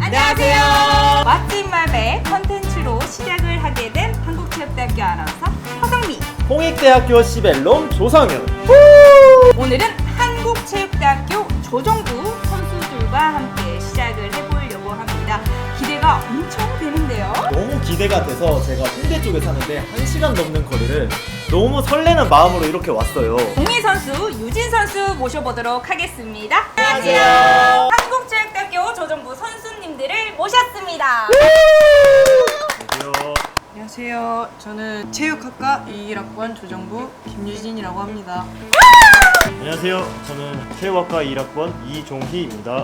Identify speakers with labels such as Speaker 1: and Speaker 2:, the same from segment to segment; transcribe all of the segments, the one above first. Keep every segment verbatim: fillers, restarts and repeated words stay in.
Speaker 1: 안녕하세요. 맛집 말배 컨텐츠로 시작을 하게 된 한국체육대학교 아나운서 허성미,
Speaker 2: 홍익대학교 시벨롬 조성윤.
Speaker 1: 오늘은 한국체육대학교 조정부 선수들과 함께 시작을 해보려고 합니다. 기대가 엄청 되는데요.
Speaker 2: 너무 기대가 돼서 제가 홍대 쪽에 사는데 한 시간 넘는 거리를 너무 설레는 마음으로 이렇게 왔어요.
Speaker 1: 공희 선수, 유진 선수 모셔보도록 하겠습니다.
Speaker 2: 안녕하세요.
Speaker 1: 한국체육대학교 조정부 선수님들을 모셨습니다.
Speaker 2: 안녕하세요.
Speaker 3: 안녕하세요. 저는 체육학과 이십일 학번 조정부 김유진이라고 합니다.
Speaker 4: 안녕하세요. 저는 체육학과 일 학번 이종희입니다.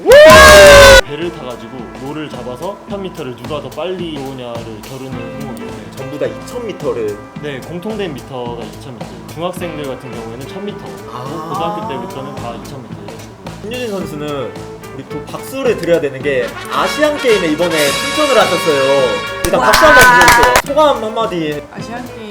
Speaker 4: 배를 타가지고 노를 잡아서 천 미터를 누가 더 빨리 오냐를 겨루는 종목이에요.
Speaker 2: 전부 다 이천 미터를.
Speaker 4: 네, 공통된 미터가 이천 미터. 중학생들 같은 경우에는 천 미터.
Speaker 2: 아.
Speaker 4: 고등학교 때부터는 다 이천 미터 이런 식으로.
Speaker 2: 김유진 선수는 우리 또 박수를 드려야 되는 게 아시안 게임에 이번에 출전을 하셨어요. 일단
Speaker 1: 와.
Speaker 2: 박수 한번 드려주세요. 소감 한마디.
Speaker 3: 아시안 게임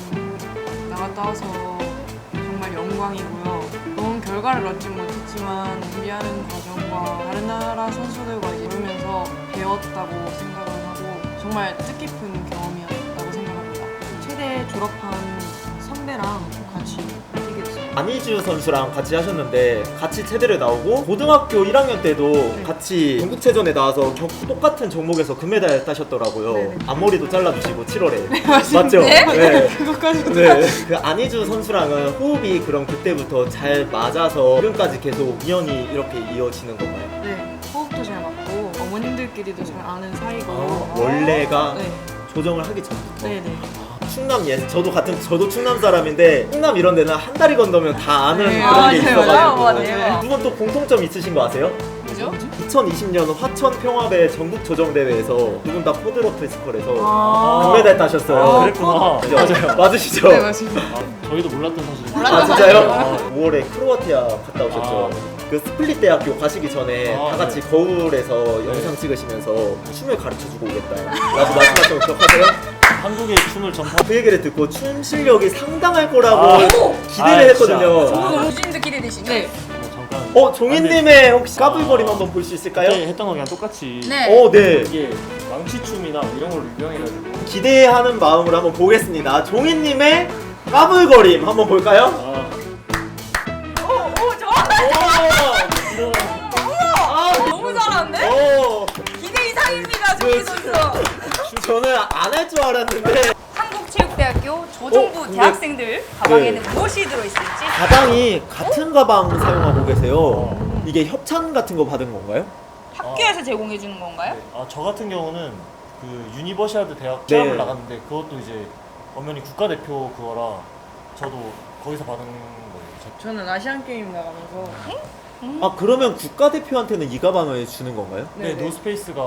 Speaker 3: 나갔다 와서 정말 영광이고요. 좋은 결과를 얻지 못했지만 준비하는 과정과 다른 나라 선수들과 이제 보면서 배웠다고 생각을 하고 정말 뜻깊은 경험이었다고 생각합니다. 최대 졸업한 선배랑 같이 뛰게 됐어요.
Speaker 2: 안희주 선수랑 같이 하셨는데 같이 체대를 나오고 고등학교 일 학년 때도
Speaker 3: 네.
Speaker 2: 같이 전국체전에 나와서 겨- 똑같은 종목에서 금메달 따셨더라고요.
Speaker 3: 네네.
Speaker 2: 앞머리도 잘라주시고 칠월에
Speaker 3: 맞습니다.
Speaker 2: 맞죠?
Speaker 1: 네?
Speaker 3: 그것까지
Speaker 2: 네. 그 안희주 선수랑은 호흡이 그럼 그때부터 잘 맞아서 지금까지 계속 인연이 이렇게 이어지는 건가요?
Speaker 3: 네, 호흡도 잘 맞고 어머님들끼리도 잘 아는 사이고
Speaker 2: 아, 원래가
Speaker 3: 네,
Speaker 2: 조정을 하기 전부터.
Speaker 3: 네, 네.
Speaker 2: 충남 예, 저도 같은 저도 충남 사람인데 충남 이런 데는 한 다리 건너면 다 아는
Speaker 3: 네,
Speaker 2: 그런
Speaker 3: 아,
Speaker 2: 게
Speaker 3: 네,
Speaker 2: 있어가지고.
Speaker 1: 맞아요.
Speaker 2: 두 분 또 공통점 있으신 거 아세요?
Speaker 3: 뭐죠?
Speaker 2: 이천이십 년 화천 평화배 전국 조정 대회에서 두 분 다 포드로프 스컬에서
Speaker 3: 아,
Speaker 2: 금메달 따셨어요.
Speaker 4: 아, 그랬구나.
Speaker 2: 그죠?
Speaker 4: 맞아요.
Speaker 2: 맞으시죠?
Speaker 3: 네, 맞습니다.
Speaker 4: 아, 저희도 몰랐던 사실이에요.
Speaker 2: 아 진짜요? 오월에 크로아티아 갔다 오셨죠?
Speaker 4: 아.
Speaker 2: 그 스플릿 대학교 가시기 전에
Speaker 4: 아,
Speaker 2: 다 같이
Speaker 4: 네.
Speaker 2: 거울에서 영상 찍으시면서 춤을 가르쳐주고 오겠다 라고 말씀하신 거 기억하세요?
Speaker 4: 한국의 춤을 전파.
Speaker 2: 그 얘기를 듣고 춤 실력이 상당할 거라고
Speaker 4: 아.
Speaker 2: 기대를
Speaker 4: 아,
Speaker 2: 했거든요.
Speaker 4: 진짜. 아.
Speaker 1: 유진도 기대되시죠?
Speaker 3: 네.
Speaker 4: 잠깐.
Speaker 2: 어 종인님의 혹시 까불거림 한번 볼 수 있을까요?
Speaker 4: 그때 했던 거랑 똑같이.
Speaker 1: 네.
Speaker 2: 어 네.
Speaker 4: 이게 망치춤이나 이런 걸로 유명해가지고.
Speaker 2: 기대하는 마음으로 한번 보겠습니다. 종인님의 까불거림 한번 볼까요?
Speaker 4: 아,
Speaker 1: 오, 오, 좋아.
Speaker 4: 이런.
Speaker 2: 아,
Speaker 1: 너무 잘하는데?
Speaker 2: 오,
Speaker 1: 기대 이상입니다, 종희 선수.
Speaker 2: 저는 안 할 줄 알았는데
Speaker 1: 한국체육대학교 조정부
Speaker 2: 어, 근데-
Speaker 1: 대학생들 가방에는
Speaker 2: 네.
Speaker 1: 무엇이 들어있을지.
Speaker 2: 가방이 같은 가방 사용하고 계세요. 이게 협찬 같은 거 받은 건가요?
Speaker 1: 학교에서 제공해 주는 건가요?
Speaker 4: 아, 저 같은 경우는 그 유니버시아드 대학
Speaker 2: 네.
Speaker 4: 시합을 나갔는데 그것도 이제 엄연히 국가대표 그거라 저도 거기서 받은 거예요. 저-
Speaker 3: 저는 아시안 게임 나가면서
Speaker 2: 아 그러면 국가대표한테는 이 가방을 주는 건가요?
Speaker 4: 네,
Speaker 3: 네.
Speaker 4: 노스페이스가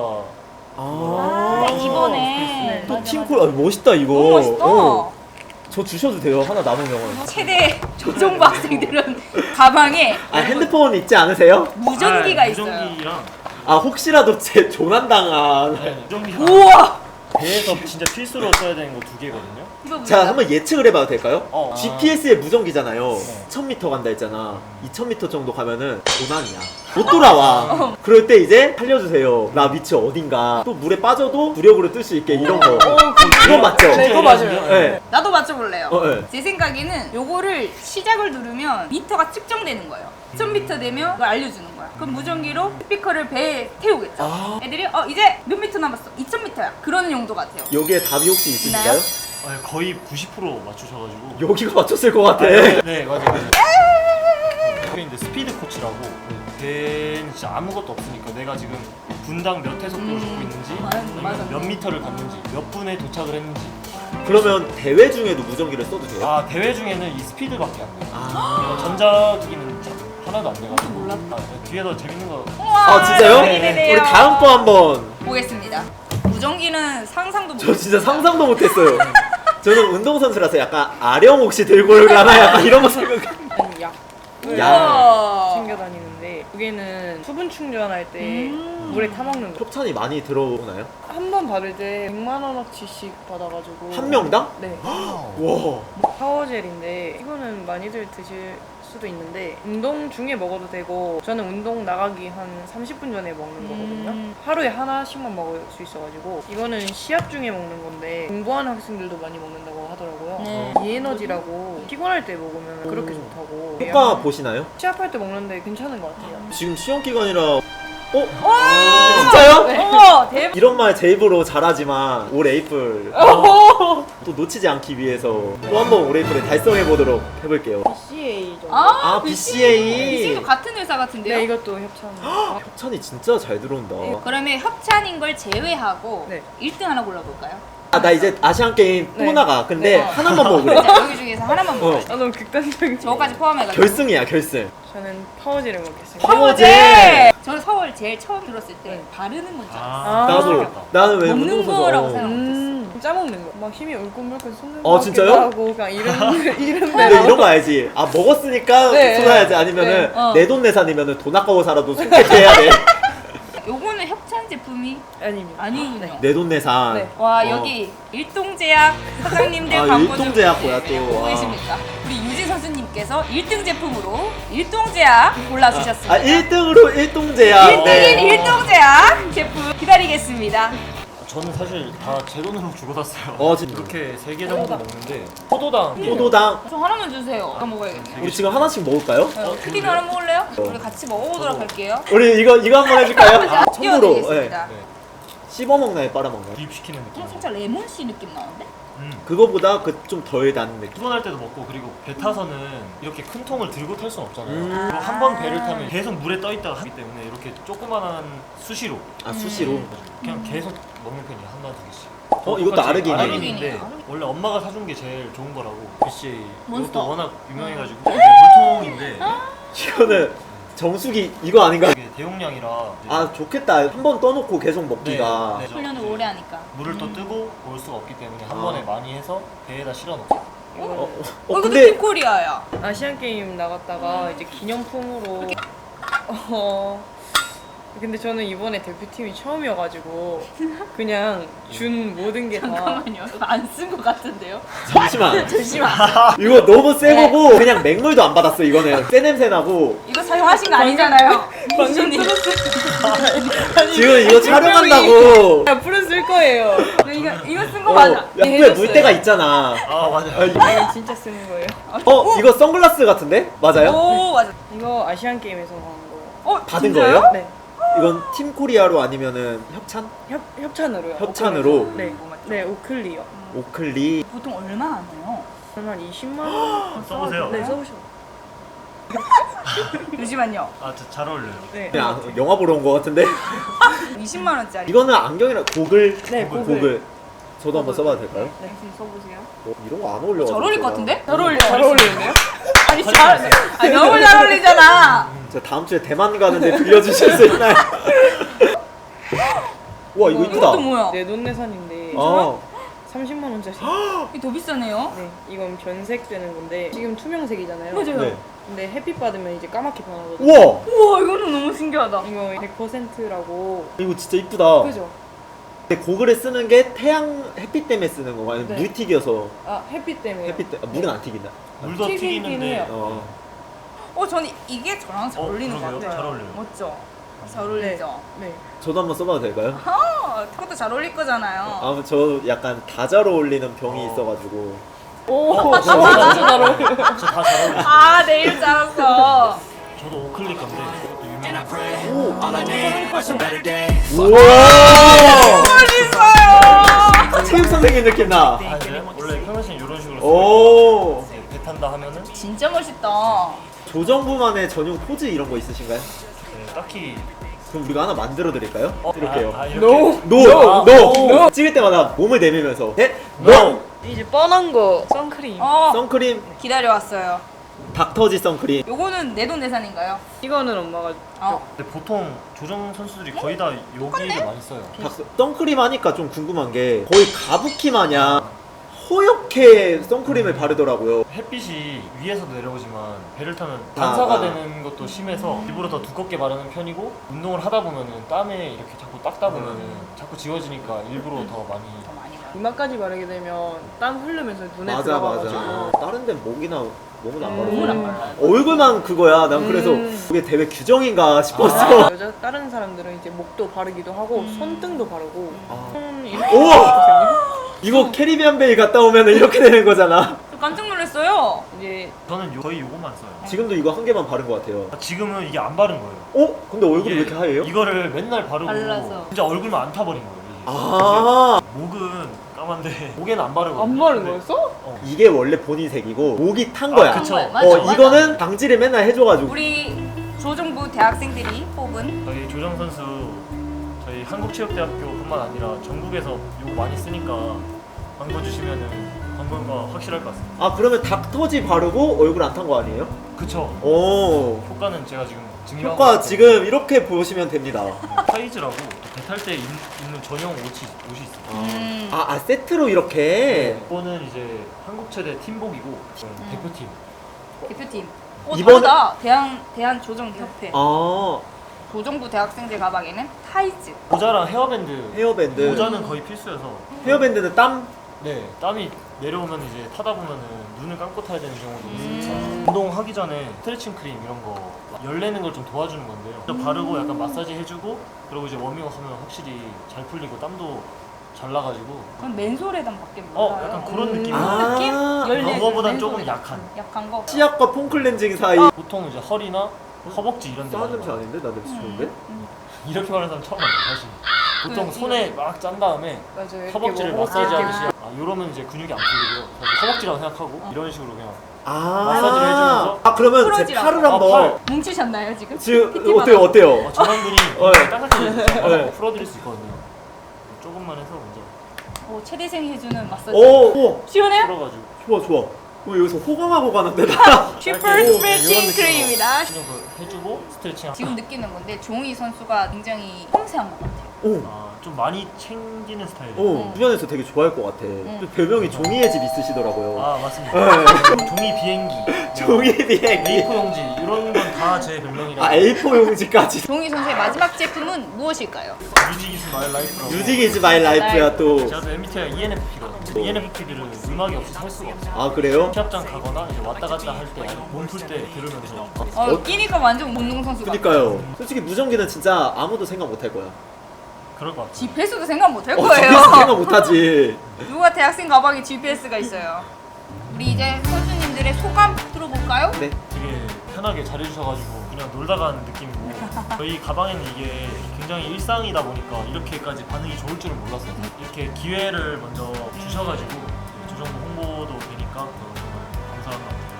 Speaker 1: 아, 이번에.
Speaker 4: 네.
Speaker 2: 또
Speaker 1: 맞아,
Speaker 2: 팀콜 아, 멋있다 이거.
Speaker 1: 너무 멋있다.
Speaker 2: 어, 저 주셔도 돼요. 하나 남으면.
Speaker 1: 최대 조정부 학생들은 가방에
Speaker 2: 아 핸드폰 있지 않으세요?
Speaker 1: 무전기가
Speaker 4: 아,
Speaker 1: 있어요.
Speaker 4: 무전기랑
Speaker 2: 아 혹시라도 제 조난당한.
Speaker 4: 네, 무전기랑
Speaker 1: 우와!
Speaker 4: 배에서 진짜 필수로 써야 되는 거 두 개거든요.
Speaker 1: 이거
Speaker 2: 자
Speaker 1: 뭐야?
Speaker 2: 한번 예측을 해봐도 될까요?
Speaker 4: 어.
Speaker 2: 지피에스의 무전기잖아요.
Speaker 4: 네.
Speaker 2: 천 미터 간다 했잖아. 이천 미터 정도 가면은 조난이야. 못 돌아와. 그럴 때 이제 살려주세요. 나 위치 어딘가. 또 물에 빠져도 부력으로 뜰 수 있게 이런 거. 이거 맞죠?
Speaker 3: 네, 이거 맞아요.
Speaker 2: 네.
Speaker 1: 나도 맞춰볼래요.
Speaker 2: 어, 네.
Speaker 1: 제 생각에는 요거를 시작을 누르면 미터가 측정되는 거예요. 천 미터 되면 그걸 알려주는 거야. 그럼 무전기로 스피커를 배에 태우겠죠.
Speaker 2: 아.
Speaker 1: 애들이 어 이제 몇 미터 남았어? 이천 미터야. 그러는 용도 같아요.
Speaker 2: 여기에 답이 혹시 있으신가요?
Speaker 1: 있나요?
Speaker 4: 아, 거의 구십 퍼센트 맞추셔가지고.
Speaker 2: 여기가 맞췄을 것 같아.
Speaker 4: 네, 네, 맞아요. 맞아요. 그게 이제 스피드 코치라고 배는 진짜 아무것도 없으니까 내가 지금 분당 몇 회속도를 걷고 있는지
Speaker 1: 맞아,
Speaker 4: 아니면
Speaker 1: 맞아.
Speaker 4: 몇 미터를 갔는지 몇 분에 도착을 했는지.
Speaker 2: 그러면 대회 중에도 무전기를 써도 돼요?
Speaker 4: 아, 대회 중에는 이 스피드밖에 안 돼요.
Speaker 2: 아,
Speaker 4: 어, 전자기기는 자- 하나도 안 돼가지고.
Speaker 1: 몰랐다.
Speaker 4: 아, 네, 뒤에서 재밌는 거.
Speaker 1: 우와,
Speaker 2: 아 진짜요?
Speaker 1: 기대되네요.
Speaker 2: 우리 다음 거 한번.
Speaker 1: 보겠습니다. 무전기는 상상도 못.
Speaker 2: 저 진짜 상상도 못했어요. 저는 운동선수라서 약간 아령 혹시 들고 올라나 약간 이런 거 생각.
Speaker 3: 약
Speaker 2: 야.
Speaker 1: 우와.
Speaker 3: 챙겨 다니는데 그게는 수분 충전할 때
Speaker 1: 음.
Speaker 3: 물에 타먹는 거.
Speaker 2: 협찬이 많이 들어오나요?
Speaker 3: 한 번 받을 때 백만 원어치씩 받아가지고
Speaker 2: 한 명당?
Speaker 3: 네.
Speaker 2: 와.
Speaker 3: 파워젤인데 이거는 많이들 드실 수도 있는데 운동 중에 먹어도 되고 저는 운동 나가기 한 삼십 분 전에 먹는 거거든요.
Speaker 1: 음.
Speaker 3: 하루에 하나씩만 먹을 수 있어가지고 이거는 시합 중에 먹는 건데 공부하는 학생들도 많이 먹는다고 하더라고요.
Speaker 1: 네.
Speaker 3: 이 에너지라고 피곤할 때 먹으면 그렇게 좋다고.
Speaker 2: 효과 보시나요?
Speaker 3: 시합할 때 먹는데 괜찮은 것 같아요.
Speaker 2: 지금 시험 기간이라 어? 진짜요?
Speaker 3: 네.
Speaker 1: 어머 대박.
Speaker 2: 이런 말 제 입으로 잘하지만 올 에이플 또 놓치지 않기 위해서 또 한번 올 에이플을 달성해 보도록 해볼게요.
Speaker 3: 씨에이 정도.
Speaker 1: 아,
Speaker 2: 아, 비씨에이.
Speaker 1: 비씨에이도 같은 회사 같은데요?
Speaker 3: 네, 이것도 협찬. 아,
Speaker 2: 협찬이 진짜 잘 들어온다.
Speaker 1: 그러면 협찬인 걸 제외하고
Speaker 3: 네.
Speaker 1: 일 등 하나 골라볼까요?
Speaker 2: 아, 나 이제 아시안 게임 또
Speaker 3: 네.
Speaker 2: 나가. 근데
Speaker 1: 네.
Speaker 2: 하나만 먹으래.
Speaker 1: 자, 여기 중에서 하나만 먹어요.
Speaker 3: 아 너무 극단적인.
Speaker 1: 저거까지 포함해가지고.
Speaker 2: 결승이야, 결승.
Speaker 3: 저는 파워젤을 먹겠습니다.
Speaker 1: 파워제! 저는 서울 제일 처음 들었을 때
Speaker 3: 네.
Speaker 1: 바르는 건줄 알았어요.
Speaker 3: 아.
Speaker 2: 나도 나는 왜
Speaker 1: 먹는
Speaker 2: 운동선수
Speaker 1: 거라고
Speaker 2: 어.
Speaker 1: 생각-
Speaker 3: 음, 짜먹는 거. 막 힘이 울끈불끈 솟는
Speaker 2: 어,
Speaker 3: 거
Speaker 2: 진짜요?
Speaker 3: 하고 그냥 이런 이런
Speaker 2: 근데
Speaker 3: 대로.
Speaker 2: 이런 거 알지? 아 먹었으니까
Speaker 3: 네.
Speaker 2: 쏟아야지 아니면은
Speaker 1: 네. 어.
Speaker 2: 내돈내산이면은 돈 아까워서라도 손괴해야 돼.
Speaker 1: 요거는 협찬 제품이
Speaker 3: 아닙니다.
Speaker 1: 아니군요.
Speaker 2: 내돈내산.
Speaker 3: 네.
Speaker 1: 와
Speaker 2: 어.
Speaker 1: 여기 일동제약 사장님들
Speaker 2: 아,
Speaker 1: 광고
Speaker 2: 일동제약
Speaker 1: 중
Speaker 2: 뭐야, 또.
Speaker 1: 보고
Speaker 2: 와.
Speaker 1: 계십니까? 우리 유진 선수님께서 일 등 제품으로 일동제약 골라주셨습니다.
Speaker 2: 아 일 등으로 일동제야.
Speaker 1: 일 등인 일동제약 제품 기다리겠습니다.
Speaker 4: 저는 사실 다 제 돈으로 주고 샀어요.
Speaker 2: 어, 진짜.
Speaker 4: 이렇게 세 개 정도 먹는데 포도당
Speaker 2: 포도당.
Speaker 1: 저 하나만 주세요. 하나 먹어야겠네.
Speaker 2: 우리 지금 하나씩 먹을까요?
Speaker 1: 어, 크림 하나 먹을래요? 우리 같이 먹어보도록 할게요.
Speaker 2: 우리 이거 이거 한번 해줄까요?
Speaker 1: 자,
Speaker 2: 청으로 예.
Speaker 1: 띄워드리겠습니다.
Speaker 4: 네.
Speaker 2: 씹어 먹나요, 빨아 먹나요?
Speaker 4: 구입시키는 느낌.
Speaker 1: 어, 살짝 레몬씨 느낌 나는데?
Speaker 4: 음.
Speaker 2: 그거보다 그 좀 덜 단 느낌.
Speaker 4: 피곤할 때도 먹고 그리고 배 타서는 이렇게 큰 통을 들고 탈 순 없잖아요.
Speaker 2: 음.
Speaker 4: 그리고 한 번 배를 타면 계속 물에 떠 있다가 하기 때문에 이렇게 조그만한 수시로
Speaker 2: 아 수시로.
Speaker 4: 그냥 계속 먹는 편이에요. 하나 두 개씩.
Speaker 2: 어 이것도 아르기니.
Speaker 4: 아르기니인데
Speaker 1: 아르기니.
Speaker 4: 원래 엄마가 사준 게 제일 좋은 거라고. 비씨에이
Speaker 1: 몬스터.
Speaker 4: 이것도 워낙 유명해가지고 이게 물통인데
Speaker 2: 이거는 정수기 이거 아닌가?
Speaker 4: 이게 대용량이라 이제
Speaker 2: 아 좋겠다. 한 번 떠놓고 계속 먹기가.
Speaker 4: 네, 네.
Speaker 1: 훈련을 오래 하니까.
Speaker 4: 물을 또 뜨고 올 수가 없기 때문에 한
Speaker 2: 아.
Speaker 4: 번에 많이 해서 배에다 실어 놓고.
Speaker 2: 어, 어,
Speaker 1: 어,
Speaker 2: 어
Speaker 1: 이것도
Speaker 2: 근데
Speaker 1: 빅코리아야.
Speaker 3: 아시안 게임 나갔다가 이제 기념품으로. 어. 근데 저는 이번에 대표팀이 처음이어가지고 그냥 준 모든 게 다.
Speaker 1: 잠깐만요. 이거 안 쓴 것 같은데요?
Speaker 2: 잠시만.
Speaker 1: 잠시만.
Speaker 2: 이거 너무 세
Speaker 1: 네.
Speaker 2: 거고 그냥 맹물도 안 받았어 이거는. 새 냄새 나고.
Speaker 1: 이거 사용하신 거 아니잖아요.
Speaker 3: 방금
Speaker 1: 님
Speaker 2: 지금 이거 촬영한다고.
Speaker 3: 앞으로 쓸 거예요.
Speaker 1: 이거 이거 쓴 거
Speaker 2: 어,
Speaker 1: 맞아.
Speaker 2: 약국에
Speaker 3: 해줬어요.
Speaker 2: 물때가 있잖아.
Speaker 4: 아 맞아요.
Speaker 2: 아, 이-
Speaker 3: 이거 진짜 쓰는 거예요.
Speaker 2: 어 이거 선글라스 같은데? 맞아요?
Speaker 1: 오 맞아.
Speaker 3: 이거 아시안 게임에서 나온 거예요.
Speaker 1: 어
Speaker 2: 받은
Speaker 1: 진짜요?
Speaker 2: 거예요?
Speaker 3: 네.
Speaker 2: 이건 팀 코리아로 아니면은 협찬?
Speaker 3: 협 협찬으로요.
Speaker 2: 협찬으로?
Speaker 3: 네.
Speaker 1: 뭐 맞죠?
Speaker 3: 네, 오클리요.
Speaker 2: 오클리.
Speaker 1: 보통 얼마 하나요?
Speaker 3: 그러면 한 이십만 원.
Speaker 4: 써보세요.
Speaker 3: 네, 써보셔.
Speaker 1: 잠시만요.
Speaker 4: 아, 저 잘 어울려요.
Speaker 3: 네.
Speaker 2: 그냥 영화 보러 온 거 같은데?
Speaker 1: 이십만 원짜리.
Speaker 2: 이거는 안경이랑 고글.
Speaker 3: 네, 고글.
Speaker 2: 고글. 저도 한번 써봐도 될까요?
Speaker 1: 네, 지금 써보세요.
Speaker 2: 어, 이런 거 안 어울려.
Speaker 1: 잘 어울릴 것 같은데? 잘 어울려.
Speaker 3: 잘 어울리는데요?
Speaker 1: 아니 잘. 아니 너무 잘 어울리잖아.
Speaker 2: 저 다음 주에 대만 가는데 빌려주실 수 있나요? 와 이거 이쁘다.
Speaker 1: 이것도 뭐야?
Speaker 3: 내돈내산인데
Speaker 2: 아,
Speaker 3: 삼십만 원짜리.
Speaker 1: 이게 더 비싸네요.
Speaker 3: 네, 이건 변색되는 건데 지금 투명색이잖아요.
Speaker 1: 맞아요.
Speaker 2: 네.
Speaker 3: 근데 햇빛 받으면 이제 까맣게 변하거든요.
Speaker 2: 우와,
Speaker 1: 우와 이거는 너무 신기하다.
Speaker 3: 이거 백 퍼센트라고.
Speaker 2: 이거 진짜 이쁘다.
Speaker 3: 그죠?
Speaker 2: 근데 고글을 쓰는 게 태양 햇빛 때문에 쓰는 건가? 아니면
Speaker 3: 네.
Speaker 2: 물 튀겨서
Speaker 3: 아, 햇빛 때문에.
Speaker 2: 햇빛 때 아, 물은 안 튀긴다.
Speaker 4: 물도
Speaker 3: 튀기긴
Speaker 4: 튀기는데
Speaker 3: 해요.
Speaker 2: 어.
Speaker 1: 어 저는 이게 저랑 잘
Speaker 4: 어,
Speaker 1: 어울리는 것
Speaker 4: 그러게요.
Speaker 1: 같아요.
Speaker 4: 잘 어울려요.
Speaker 1: 멋져. 잘 어울리죠.
Speaker 3: 네.
Speaker 2: 저도 한번 써봐도 될까요?
Speaker 1: 어, 그것도 잘 어울릴 거잖아요.
Speaker 2: 아, 저 약간 다 잘 어울리는 병이
Speaker 4: 어.
Speaker 2: 있어가지고.
Speaker 3: 오, 진짜 잘 어울려.
Speaker 4: 저 다 잘 어울려요.
Speaker 1: 아 내일 잘았어.
Speaker 4: 저도 오클릭 건데 이것도 유명한
Speaker 2: 우와!
Speaker 1: 멋있어요.
Speaker 2: 체육 선생님 느낌 나.
Speaker 4: 아, 이제 원래 평상시에 이런 식으로 써요.
Speaker 2: 오.
Speaker 4: 이제 배 탄다 하면은
Speaker 1: 진짜 멋있다.
Speaker 2: 조정부만의 전용 포즈 이런 거 있으신가요?
Speaker 4: 네, 딱히
Speaker 2: 그럼 우리가 하나 만들어 드릴까요?
Speaker 4: 어,
Speaker 2: 이렇게요.
Speaker 4: 아, 아, 이렇게.
Speaker 3: No.
Speaker 2: 노!
Speaker 4: No.
Speaker 2: 노! 찍을 때마다 몸을 내밀면서 넷! 노!
Speaker 3: 이제 뻔한 거 선크림.
Speaker 1: 어
Speaker 2: 선크림
Speaker 1: 기다려왔어요.
Speaker 2: 닥터지 선크림.
Speaker 1: 요거는 내돈내산인가요?
Speaker 3: 이거는 엄마가
Speaker 1: 어.
Speaker 4: 근데 보통 조정 선수들이 거의 다 여기를 많이 써요.
Speaker 2: 닥- 선크림 하니까 좀 궁금한 게 거의 가부키 마냥 허옇게 선크림을 바르더라고요.
Speaker 4: 햇빛이 위에서도 내려오지만 배를 타면
Speaker 2: 아,
Speaker 4: 반사가
Speaker 2: 아.
Speaker 4: 되는 것도 심해서 일부러 더 두껍게 바르는 편이고 운동을 하다 보면은 땀에 이렇게 자꾸 닦다 보면은 자꾸 지워지니까 일부러 더 많이
Speaker 1: 더 많이 가요.
Speaker 3: 이마까지 바르게 되면 땀 흐르면서 눈에
Speaker 2: 맞아
Speaker 3: 들어가가지고.
Speaker 2: 맞아. 다른 데는 목이나 몸은 안 바르고.
Speaker 1: 몸은 안 발라요.
Speaker 2: 얼굴만 그거야. 난 그래서
Speaker 3: 음.
Speaker 2: 그게 대회 규정인가 싶었어.
Speaker 3: 여자 다른 사람들은 이제 목도 바르기도 하고 손등도 바르고
Speaker 2: 아.
Speaker 3: 손 이렇게
Speaker 2: 우와! 이거 캐리비안 베이 갔다 오면 이렇게 되는 거잖아.
Speaker 1: 저 깜짝 놀랐어요.
Speaker 3: 이제
Speaker 4: 저는 요- 거의 요것만 써요.
Speaker 2: 지금도 이거 한 개만 바른 것 같아요.
Speaker 4: 아, 지금은 이게 안 바른 거예요.
Speaker 2: 어? 근데 얼굴이 왜
Speaker 4: 이게
Speaker 2: 이렇게 하얘요?
Speaker 4: 이거를 맨날 바르고
Speaker 1: 발라서.
Speaker 4: 진짜 얼굴만 안 타버린 거예요. 이게.
Speaker 2: 아,
Speaker 4: 목은 까만데 목에는 안 바르고.
Speaker 3: 안 바른 거였어?
Speaker 2: 이게 원래 본인 색이고 목이 탄 거야.
Speaker 4: 아, 그쵸.
Speaker 1: 맞아,
Speaker 2: 어,
Speaker 1: 맞아.
Speaker 2: 이거는 방지를 맨날 해줘가지고.
Speaker 1: 우리 조정부 대학생들이 뽑은
Speaker 4: 저희 조정 선수 저희 한국체육대학교뿐만 아니라 전국에서 이거 많이 쓰니까 광고 주시면은 광고가 확실할 것 같습니다.
Speaker 2: 아, 그러면 닥터지 바르고 얼굴 안 탄 거 아니에요?
Speaker 4: 그쵸.
Speaker 2: 오.
Speaker 4: 효과는 제가 지금 증명하고
Speaker 2: 효과
Speaker 4: 있기
Speaker 2: 지금 이렇게 보시면 됩니다.
Speaker 4: 때문에. 타이즈라고 배 탈 때 입는 전용 옷이, 옷이 있어요.
Speaker 1: 음.
Speaker 2: 아, 아 세트로 이렇게.
Speaker 4: 이거는 이제 한국체대 팀복이고 대표팀.
Speaker 1: 대표팀. 어,
Speaker 2: 이번에-
Speaker 1: 다르다. 대한 대한 조정협회.
Speaker 2: 아,
Speaker 1: 조정부 대학생들 가방에는 타이즈.
Speaker 4: 모자랑 헤어밴드.
Speaker 2: 헤어밴드.
Speaker 4: 모자는 거의 필수여서.
Speaker 2: 헤어밴드는 땀?
Speaker 4: 네, 땀이 내려오면 이제 타다 보면은 눈을 감고 타야 되는 경우도 있으니까
Speaker 1: 음.
Speaker 4: 운동하기 전에 스트레칭 크림 이런 거 열내는 걸 좀 도와주는 건데요. 좀 바르고 약간 마사지 해주고 그리고 이제 워밍업 하면 확실히 잘 풀리고 땀도 잘 나가지고
Speaker 1: 그건 맨솔에단밖에 몰라요.
Speaker 4: 어, 약간 그런
Speaker 3: 음.
Speaker 4: 느낌.
Speaker 2: 아.
Speaker 1: 느낌? 열네
Speaker 4: 그거보단
Speaker 1: 맨솔에단.
Speaker 4: 조금 약한.
Speaker 1: 약한 거.
Speaker 2: 치약과 폼클렌징 사이.
Speaker 4: 보통 이제 허리나 허벅지 이런 데
Speaker 2: 싸한
Speaker 4: 많이
Speaker 2: 냄새
Speaker 4: 나요.
Speaker 2: 아닌데? 나 냄새 좋은데?
Speaker 4: 이렇게 말하는 사람 처음 봤어요 사실. 보통
Speaker 1: 그,
Speaker 4: 손에 막 짠 다음에
Speaker 3: 맞아 이렇게
Speaker 4: 허벅지를
Speaker 3: 뭐
Speaker 4: 마사지
Speaker 3: 이렇게
Speaker 4: 하듯이 아, 이러면 이제 근육이 안 풀리고요. 사실 허벅지라고 생각하고 이런 식으로 그냥
Speaker 2: 아,
Speaker 4: 마사지를 해주면서.
Speaker 2: 아, 그러면 제
Speaker 1: 풀어지라고.
Speaker 2: 팔을
Speaker 4: 아,
Speaker 2: 한번.
Speaker 4: 팔.
Speaker 1: 뭉치셨나요 지금?
Speaker 2: 지금
Speaker 1: 피티마다.
Speaker 2: 어때요? 어때요?
Speaker 4: 어, 전완근이
Speaker 2: 어, 네.
Speaker 4: 딱딱해지죠.
Speaker 2: 네.
Speaker 4: 풀어드릴 수 있거든요. 조금만 해서 먼저
Speaker 1: 오, 체대생이 해주는 마사지.
Speaker 2: 오, 오,
Speaker 1: 시원해요?
Speaker 4: 풀어가지고
Speaker 2: 좋아, 좋아. 왜 여기서 호강하고 가는데 나?
Speaker 1: 슈퍼
Speaker 4: 짧게
Speaker 1: 스트레칭
Speaker 4: 이런 느낌으로
Speaker 1: 크림입니다.
Speaker 4: 그냥 그 해주고 스트레칭.
Speaker 1: 지금 느끼는 건데 종희 선수가 굉장히 섬세한 것 같아요.
Speaker 2: 오,
Speaker 4: 아, 좀 많이 챙기는 스타일이에요.
Speaker 2: 오,
Speaker 1: 음.
Speaker 2: 주변에서 되게 좋아할 것 같아. 또 별명이 종이의 집 있으시더라고요.
Speaker 4: 아 맞습니다.
Speaker 2: 네.
Speaker 4: 종이 비행기, 뭐
Speaker 2: 종이 비행기.
Speaker 4: 에이포 용지 이런 건 다 제 별명이라.
Speaker 2: 아, 에이포 용지까지.
Speaker 1: 종희 선수의 마지막 제품은 무엇일까요?
Speaker 4: 뮤직 이즈 마이 라이프라고.
Speaker 2: 뮤직 이즈 마이 라이프야 또.
Speaker 4: 제가 또 엠비티아이가 이엔에프피거든요. 이엔에프피들은 음악이 없이 살 수가 없어요.
Speaker 2: 아, 그래요?
Speaker 4: 시합장 가거나 이제 왔다 갔다 할 때 몸 풀 때 들으면서
Speaker 1: 어, 끼니까 완전 운동 선수 같아.
Speaker 2: 그니까요. 솔직히 무전기는 진짜 아무도 생각 못 할 거야.
Speaker 4: 그럴 것 같아요.
Speaker 1: 지피에스도 생각 못 할
Speaker 2: 어,
Speaker 1: 거예요.
Speaker 2: 집에서 생각 못 하지.
Speaker 1: 누가 대학생 가방에 지피에스가 있어요. 우리 이제 선수님들의 소감 들어볼까요?
Speaker 2: 네.
Speaker 4: 되게 편하게 잘해주셔가지고 그냥 놀다 가는 느낌이고 저희 가방에는 이게 굉장히 일상이다 보니까 이렇게까지 반응이 좋을 줄은 몰랐어요. 이렇게 기회를 먼저 주셔가지고 조정부 홍보도 되니까 정말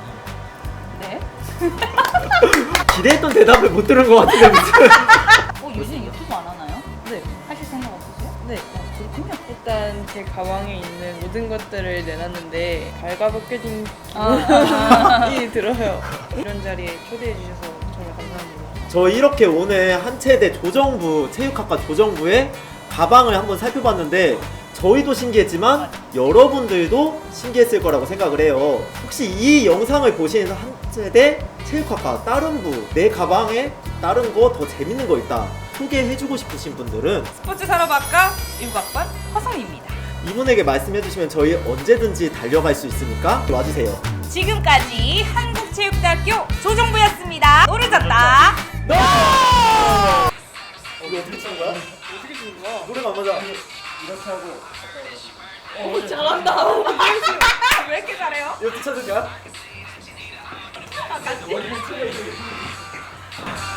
Speaker 4: 감사한 것 같아요.
Speaker 1: 네.
Speaker 2: 기대했던 대답을 못 들은 것 같은데 무슨.
Speaker 1: 어, 요즘 유튜브 안 하나요?
Speaker 3: 네.
Speaker 1: 하실 생각 없으세요?
Speaker 3: 네.
Speaker 1: 그렇군요.
Speaker 3: 일단 제 가방에 있는 모든 것들을 내놨는데 발가벗겨진
Speaker 1: 아,
Speaker 3: 기분이 들어요. 이런 자리에 초대해 주셔서 정말 감사합니다.
Speaker 2: 저 이렇게 오늘 한체대 조정부 체육학과 조정부의 가방을 한번 살펴봤는데 저희도 신기했지만 여러분들도 신기했을 거라고 생각을 해요. 혹시 이 영상을 보시는 한체대 체육학과 다른 부 내 가방에 다른 거 더 재밌는 거 있다 소개해주고 싶으신 분들은
Speaker 1: 스포츠 산업학과 일부 학번 허성입니다.
Speaker 2: 이분에게 말씀해주시면 저희 언제든지 달려갈 수 있으니까 와주세요.
Speaker 1: 지금까지 한국체육대학교 조정부였습니다. 노래 졌다.
Speaker 2: 너! 이거 어떻게 치는 거야?
Speaker 3: 어떻게 주는 거야?
Speaker 2: 노래가 안 맞아.
Speaker 4: 이렇게 하고
Speaker 3: 오 잘한다.
Speaker 1: 왜 이렇게 잘해요?
Speaker 2: 이거 찾을 거야?
Speaker 1: 같이.